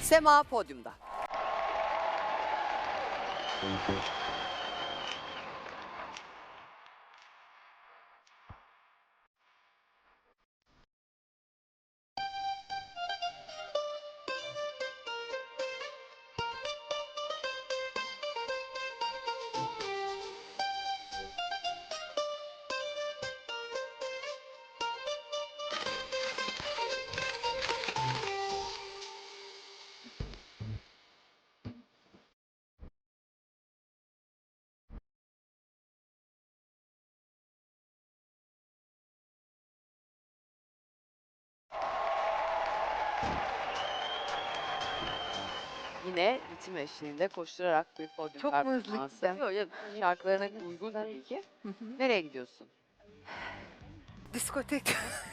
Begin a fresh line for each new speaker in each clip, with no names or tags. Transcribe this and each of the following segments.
Sema podyumda. Yine ritim eşliğinde koşturarak bir podyum
Çok mu hızlı
performansı.
gittim?
Yok, yok, şarkılarına uygun tabii ki. Nereye gidiyorsun?
Diskotek.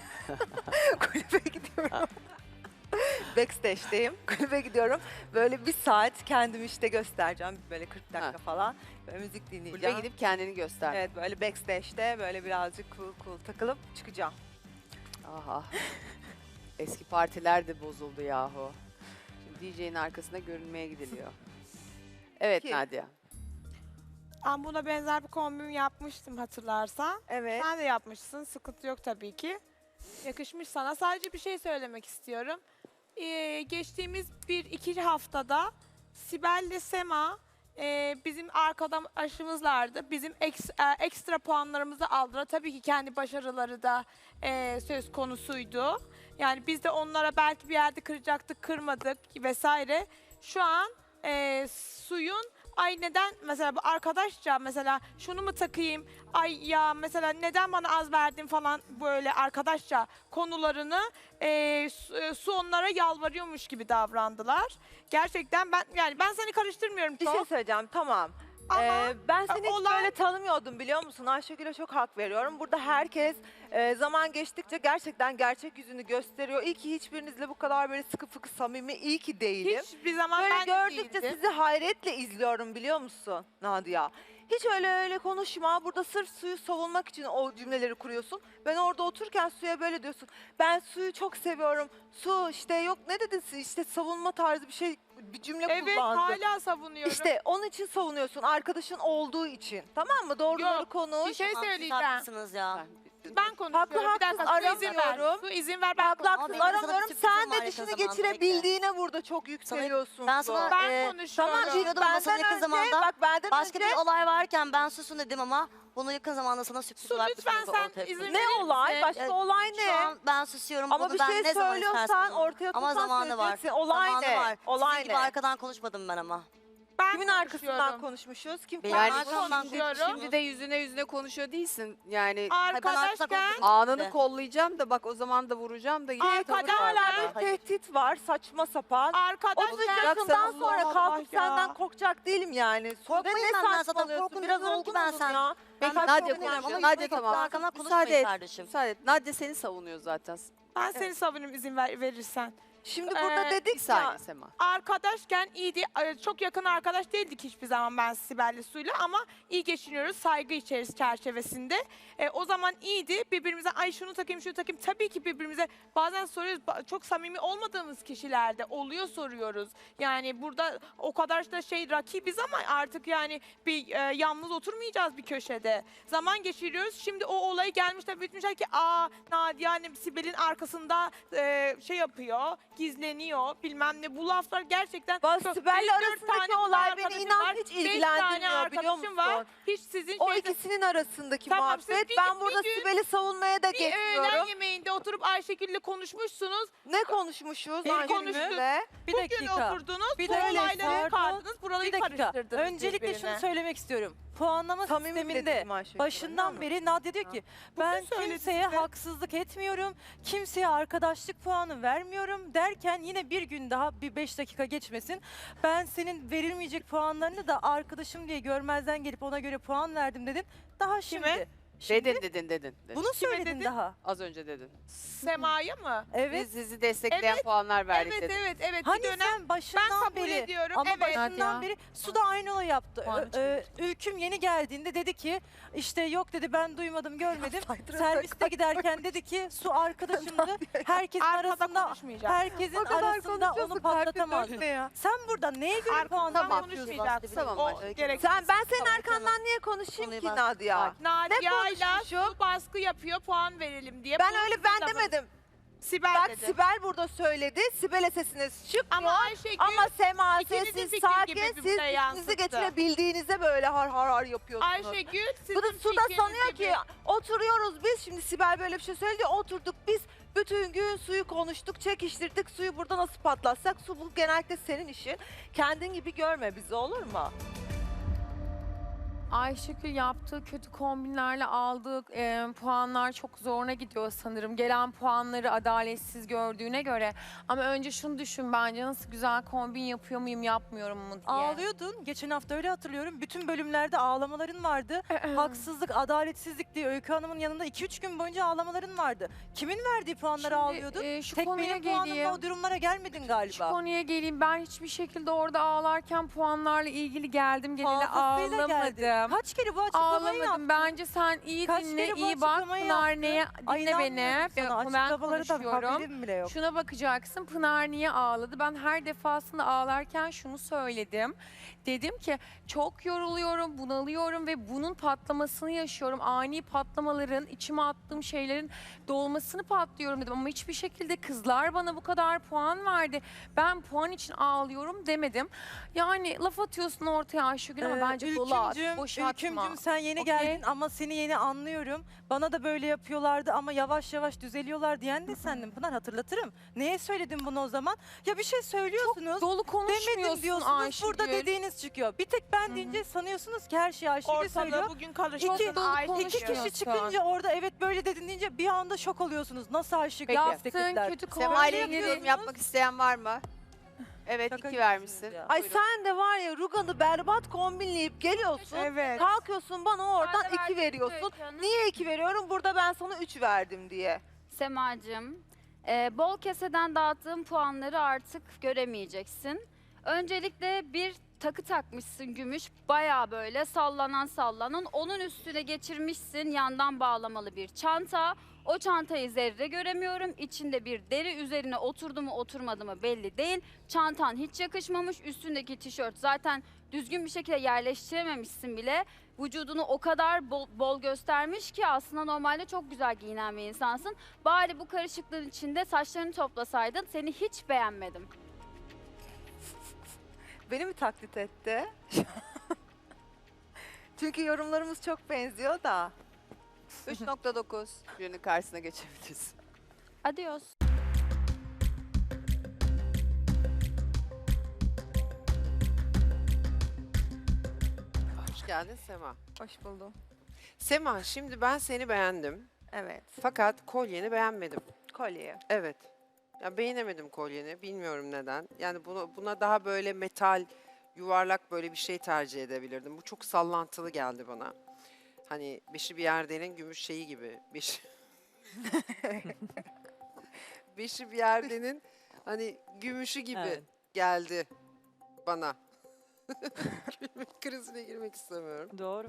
Kulübe gidiyorum. Backstage'deyim. Kulübe gidiyorum. Böyle bir saat kendimi işte göstereceğim. Böyle 40 dakika
Ha.
falan. Böyle müzik dinleyeceğim.
Kulübe gidip kendini göster.
Evet, böyle backstage'de böyle birazcık cool takılıp çıkacağım.
Aha. Eski partiler de bozuldu yahu. Şimdi DJ'nin arkasında görünmeye gidiliyor. Evet
Ki-
Nadia.
Ben buna benzer bir kombin yapmıştım hatırlarsan.
Evet.
Sen de yapmışsın. Sıkıntı yok tabii ki. Yakışmış sana. Sadece bir şey söylemek istiyorum. Geçtiğimiz 1-2 haftada Sibel ile Sema bizim arkadaşımızlardı. Bizim ekstra puanlarımızı aldılar. Tabii ki kendi başarıları da söz konusuydu. Yani biz de onlara belki bir yerde kıracaktık, kırmadık vesaire. Şu an suyun ay neden mesela bu arkadaşça mesela şunu mu takayım ay ya mesela neden bana az verdin falan böyle arkadaşça konularını su onlara yalvarıyormuş gibi davrandılar. Gerçekten ben seni karıştırmıyorum
Bir şey
çok
söyleyeceğim, tamam.
ama
Ben seni hiç
olay-
böyle tanımıyordum, biliyor musun? Ayşegül'e çok hak veriyorum. Burada herkes zaman geçtikçe gerçekten gerçek yüzünü gösteriyor. İyi ki hiçbirinizle bu kadar böyle sıkı fıkı samimi, iyi ki değilim.
hiçbir zaman
Böyle
ben de
gördükçe
değildim.
sizi hayretle izliyorum, biliyor musun Nadia? Hiç öyle konuşma. Burada sırf suyu savunmak için o cümleleri kuruyorsun. Ben orada otururken suya böyle diyorsun. Ben suyu çok seviyorum. Su işte yok ne dedin işte savunma tarzı bir şey, bir cümle
Evet
kullandın.
hala savunuyorum.
İşte onun için savunuyorsun. Arkadaşın olduğu için. Tamam mı? Doğruları
Yok,
konuş.
bir şey
Tamam, siz
söyleyeceğim.
haklısınız ya.
Ben konuşuyorum.
Haklı,
Bir dakika
haksız
su izin ver.
aramıyorum.
Su izin ver ben
Haklı
konuşayım.
haksız
benim sana bir
aramıyorum.
sürprizim
Sen
var
de
yakın
dişini
zamanda,
geçirebildiğine burada çok yükseliyorsun.
Ben sana
konuşuyorum.
Tamam,
konuşuyordum ama sana
benden
yakın
önce,
zamanda
bak benden
başka
önce
bir olay varken ben susun dedim ama bunu yakın zamanda sana sürpriz
Su,
olarak
lütfen
bir sonucu
sen
ortaya
izin
koyacağım.
verir
ne olay?
misin?
Başka olay
Şu
ne?
an ben susuyorum.
Ama
Bunu
bir
ben
şey
ne zaman
söylüyorsan
istersen
ortaya
ama
tutsan
zamanı var.
söyleyeceksin. Olay
Zamanı
ne?
var.
Olay
Sizin gibi
ne?
arkadan konuşmadım ben ama.
Ben
Kimin arkasından
konuşuyorum.
konuşmuşuz? Kim
Benim
Yani
arkamdan
şimdi,
konuşuyorum.
şimdi de yüzüne konuşuyor değilsin. Yani
Arkadaşken
anını kollayacağım da bak o zaman da vuracağım da yine tavır var.
hala
burada.
bir tehdit var, saçma sapan.
arkadaşken
Yakından sonra
Allah
kalkıp
ya.
senden korkacak değilim yani.
Korkmayın
Ne
benden zaten,
saçmalıyorsun?
korkun
Biraz
demiyorum ki
olgun
ben
olun
sen.
ya.
Peki
Ben
Nadia
korkmuyorum
konuşuyor.
ama
Nadia
yakın
tamam.
arkamdan
Müsaade
konuşmayın
et.
kardeşim.
Müsaade et. Nadia seni savunuyor zaten.
Ben seni savunurum izin verirsen.
Şimdi burada
Bir
dedik
Bir saniye
ya.
Sema.
Arkadaşken iyiydi. Çok yakın arkadaş değildik hiçbir zaman ben Sibel'le Su'yla ama iyi geçiniyoruz saygı içerisinde çerçevesinde. O zaman iyiydi. Birbirimize ay şunu takayım şunu takayım. Tabii ki birbirimize bazen soruyoruz. Çok samimi olmadığımız kişilerde oluyor soruyoruz. Yani burada o kadar da rakibiz ama artık yani bir yalnız oturmayacağız bir köşede. Zaman geçiriyoruz. Şimdi o olayı gelmişler bitmişler ki Nadia hani Sibel'in arkasında yapıyor, gizleniyor bilmem ne. Bu laflar gerçekten
Bak
çok-
Sibel'le
beş, dört
arasındaki
tane
olay
kız
beni
arkadaşım
inan
var,
hiç
5 tane
ilgilendirmiyor, biliyor
arkadaşım
musun?
var. Hiç sizin
O
şeyde-
ikisinin arasındaki
Tamam,
muhabbet.
siz bir-
Ben burada
bir gün-
Sibel'i savunmaya da
bir öğlen
geçmiyorum.
yemeğinde oturup Ayşegül'le konuşmuşsunuz.
Ne konuşmuşuz
Bir
Ayşegül'le?
Bir
Bugün
dakika.
oturdunuz,
Bir
bu
dakika.
olayları
Pardon.
çıkardınız, buraları
Bir dakika.
karıştırdınız
Öncelikle
birbirine.
şunu söylemek istiyorum. Puanlama
Samimi
sisteminde
dedim Ayşegül,
başından
biliyor
beri Nadia diyor ki ben
söyledi
kimseye
size.
haksızlık etmiyorum. Kimseye arkadaşlık puanı vermiyorum derken yine bir gün daha bir 5 dakika geçmesin. Ben senin verilmeyecek puanlarını da arkadaşım diye görmezden gelip ona göre puan verdim dedin. Daha şimdi.
Kime?
Dedin.
Bunu söyledin
dedin?
daha.
Az önce dedin.
Sema'ya mı?
Evet.
Biz sizi destekleyen
Evet,
puanlar verdik
Evet,
dedin.
evet.
Hani
Bir dönem
sen
ben
başından
kabul
beri
ediyorum.
ama
Evet.
başından
Hadi ya.
beri Su da aynı olayı yaptı.
Puanı çıkıyor.
Ülküm yeni geldiğinde dedi ki işte yok dedi ben duymadım görmedim. Serviste giderken dedi ki Su arkadaşımdı. Herkesin
Arkada
arasında
konuşmayacağım.
herkesin arasında onu patlatamaz.
ya.
Sen burada neye göre
Arkadan
puan
Tamam.
konuşmayacaksın.
Tamam,
O
başka.
gereksiz.
Ben senin
Tamam,
arkandan niye konuşayım
Konuyu
ki
bas-
Nadia?
Nadia'yla
konuşmuşum?
Su baskı yapıyor, puan verelim diye.
Ben
Bu
öyle
sizin
ben
lafınız.
demedim.
Sibel
Bak
dedi.
Sibel burada söyledi. Sibel'e sesiniz çıkmıyor.
Ama Ayşegül
Ama Sema
ikinizin
sessiz,
fikri
sakin,
gibi
siz
birbirine
üstünüzü
yansıttı.
getirebildiğinizde böyle har har har yapıyorsunuz.
Ayşegül sizin
Bu da Su da
fikriniz
sanıyor
gibi.
ki oturuyoruz biz. Şimdi Sibel böyle bir şey söyledi. Oturduk biz. Bütün gün Su'yu konuştuk, çekiştirdik. Su'yu burada nasıl patlatsak? Su bu genellikle senin işin. Kendin gibi görme bizi, olur mu?
Ayşegül yaptığı kötü kombinlerle aldığı puanlar çok zoruna gidiyor sanırım. Gelen puanları adaletsiz gördüğüne göre. Ama önce şunu düşün bence nasıl güzel kombin yapıyor muyum yapmıyorum mu diye.
Ağlıyordun. Geçen hafta öyle hatırlıyorum. Bütün bölümlerde ağlamaların vardı. Haksızlık, adaletsizlik diye Öykü Hanım'ın yanında 2-3 gün boyunca ağlamaların vardı. Kimin verdiği puanları ağlıyordun?
Şu
Tek
konuya
benim puanımla
geleyim.
o durumlara gelmedin
Şu
galiba.
konuya geleyim. Ben hiçbir şekilde orada ağlarken puanlarla ilgili geldim geleli
Fazlasıyla geldi.
ağlamadım.
Kaç kere bu açıklamayı yaptın?
Ağlamadım. Bence sen iyi
Kaç
dinle,
kere bu
iyi bak.
açıklamayı
Pınar
yaptın?
neye
Ay,
dinle beni.
inanmıyorum sana.
Ben
Açıklamaları da
konuşuyorum.
haberim bile yok.
Şuna bakacaksın. Pınar niye ağladı? Ben her defasında ağlarken şunu söyledim. Dedim ki çok yoruluyorum, bunalıyorum ve bunun patlamasını yaşıyorum. Ani patlamaların, içime attığım şeylerin dolmasını patlıyorum dedim. Ama hiçbir şekilde kızlar bana bu kadar puan verdi. Ben puan için ağlıyorum demedim. Yani laf atıyorsun ortaya Ayşegül ama bence dolu at, boşaltma.
Ülkümcüm sen yeni
Okey.
geldin ama seni yeni anlıyorum. Bana da böyle yapıyorlardı ama yavaş yavaş düzeliyorlar diyen de sendin Pınar, hatırlatırım. Neye söyledin bunu o zaman? Ya bir şey söylüyorsunuz.
Dolu
Demedim
konuşmuyorsun
diyorsunuz,
Ayşegül.
burada dediğiniz çıkıyor. Bir tek ben deyince sanıyorsunuz ki her şeyi Ayşegül söylüyor.
Ortalığı bugün karıştı.
İki-
dolu
Ayşegül.
İki kişi
konuşuyorsun.
çıkınca orada evet böyle dedin deyince bir anda şok oluyorsunuz. Nasıl Ayşegül
Yaptığın
destekler?
kötü
Sema ile
kombinleri
ilgili yorum yapmak isteyen var mı? Evet,
Şaka
2 vermişsin.
gibisiniz ya.
Ay
Buyurun.
sen de var ya Rugan'ı berbat kombinleyip geliyorsun.
Evet.
Kalkıyorsun bana oradan
Ben de
2
verdim
veriyorsun.
Öykü Hanım.
Niye 2 veriyorum? Burada ben sana 3 verdim diye.
Semacığım, bol keseden dağıttığım puanları artık göremeyeceksin. Öncelikle bir takı takmışsın gümüş, baya böyle sallanan. Onun üstüne geçirmişsin yandan bağlamalı bir çanta. O çantayı zerre göremiyorum. İçinde bir deri, üzerine oturdu mu oturmadı mı belli değil. Çantan hiç yakışmamış. Üstündeki tişört zaten düzgün bir şekilde yerleştirememişsin bile. Vücudunu o kadar bol göstermiş ki aslında normalde çok güzel giyinen bir insansın. Bari bu karışıklığın içinde saçlarını toplasaydın, seni hiç beğenmedim.
Beni mi taklit etti? Çünkü yorumlarımız çok benziyor da.
3.9. Jürinin karşısına geçebiliriz.
Adios.
Hoş geldin Sema.
Hoş buldum.
Sema, şimdi ben seni beğendim.
Evet.
Fakat kolyeni beğenmedim.
Kolye.
Evet. Ya beğenemedim kolyeni. Bilmiyorum neden. Yani buna daha böyle metal, yuvarlak böyle bir şey tercih edebilirdim. Bu çok sallantılı geldi bana. Hani beşi bir yerdenin gümüş şeyi gibi. Beşi bir yerdenin hani gümüşü gibi
Evet.
geldi bana. Gülme krizine girmek istemiyorum.
Doğru.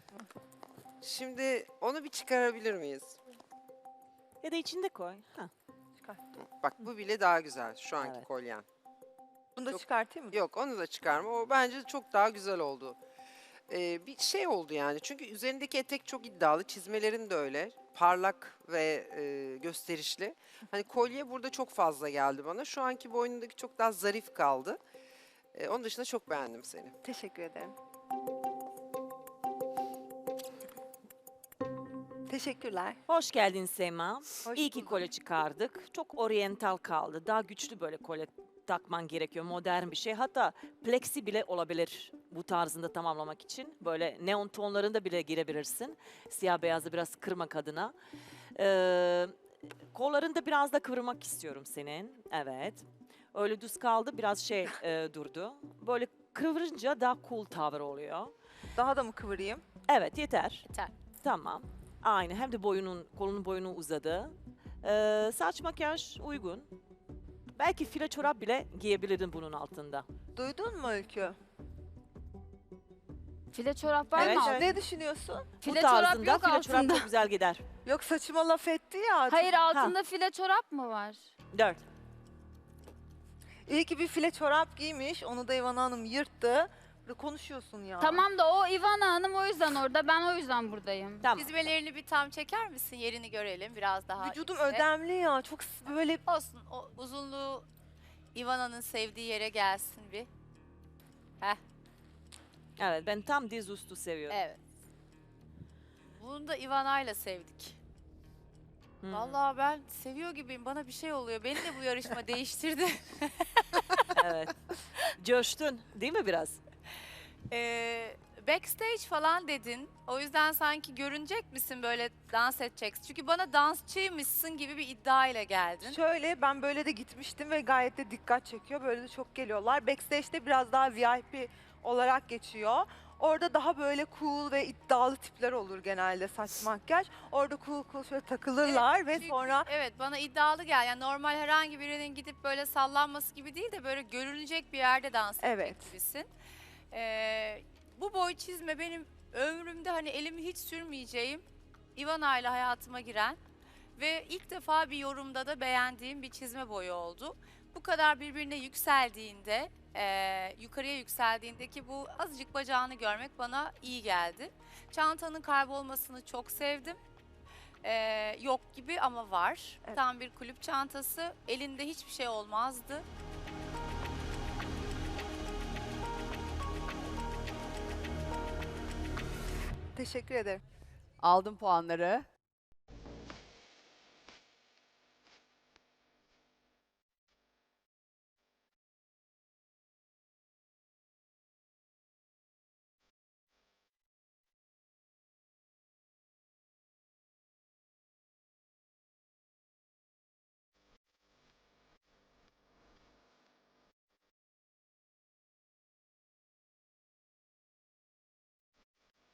Şimdi onu bir çıkarabilir miyiz?
Ya da içinde koy. Ha.
Bak bu bile daha güzel şu anki
Evet.
kolyen.
Bunu da
Yok.
çıkartayım mı?
Yok onu da çıkarma. O bence çok daha güzel oldu. Bir şey oldu yani. Çünkü üzerindeki etek çok iddialı. Çizmelerin de öyle. Parlak ve gösterişli. Hani kolye burada çok fazla geldi bana. Şu anki boynundaki çok daha zarif kaldı. Onun dışında çok beğendim seni.
Teşekkür ederim. Teşekkürler.
Hoş geldin Sema.
Hoş
İyi ki
bulduk.
kolye çıkardık. Çok oryantal kaldı. Daha güçlü böyle kolye takman gerekiyor. Modern bir şey. Hatta plexi bile olabilir bu tarzında tamamlamak için. Böyle neon tonlarında bile girebilirsin. Siyah beyazı biraz kırmak adına. Kollarını da biraz da kıvırmak istiyorum senin. Evet. Öyle düz kaldı. Biraz şey durdu. Böyle kıvırınca daha cool tavır oluyor.
Daha da mı kıvırayım?
Evet yeter.
Yeter.
Tamam. Aynı hem de kolunun boyunu uzadı. Saç makyaj uygun. Belki file çorap bile giyebilirdin bunun altında.
Duydun mu Öykü?
File çorap var
Evet,
mı?
evet.
Ne düşünüyorsun?
File
Bu
çorap
tarzında
yok
file çorap
altında.
çok güzel gider.
Yok saçıma laf etti ya.
Hayır altında file çorap mı var?
4.
İyi ki bir file çorap giymiş. Onu da İvan Hanım yırttı. Burada konuşuyorsun ya.
Tamam da o Ivana Hanım o yüzden orada, ben o yüzden buradayım.
Tamam.
Çizmelerini bir tam çeker misin? Yerini görelim biraz daha.
Vücudum
işte.
ödemli ya. Çok böyle
Olsun. O uzunluğu Ivana'nın sevdiği yere gelsin bir.
Evet, ben tam diz üstü seviyorum.
Evet. Bunu da Ivana'yla sevdik.
Hmm.
Vallahi ben seviyor gibiyim. Bana bir şey oluyor. Beni de bu yarışma değiştirdi.
Evet. Coştun değil mi biraz?
Backstage falan dedin. O yüzden sanki görünecek misin böyle dans edeceksin? Çünkü bana dansçıymışsın gibi bir iddia ile geldin.
şöyle ben böyle de gitmiştim ve gayet de dikkat çekiyor. Böyle de çok geliyorlar. Backstage'de biraz daha VIP olarak geçiyor. Orada daha böyle cool ve iddialı tipler olur genelde saç makyaj. Orada cool şöyle takılırlar ve
Çünkü-
sonra
Evet, bana iddialı gel. Yani normal herhangi birinin gidip böyle sallanması gibi değil de böyle görünecek bir yerde dans edecek
Evet.
gibisin. Bu boy çizme benim ömrümde hani elimi hiç sürmeyeceğim Ivana ile hayatıma giren ve ilk defa bir yorumda da beğendiğim bir çizme boyu oldu. Bu kadar birbirine yükseldiğinde, yukarıya yükseldiğindeki bu azıcık bacağını görmek bana iyi geldi. Çantanın kaybolmasını çok sevdim. Yok gibi ama var.
Evet.
Tam bir kulüp çantası. Elinde hiçbir şey olmazdı.
teşekkür ederim.
Aldım puanları.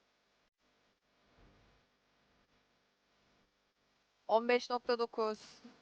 ...15.9.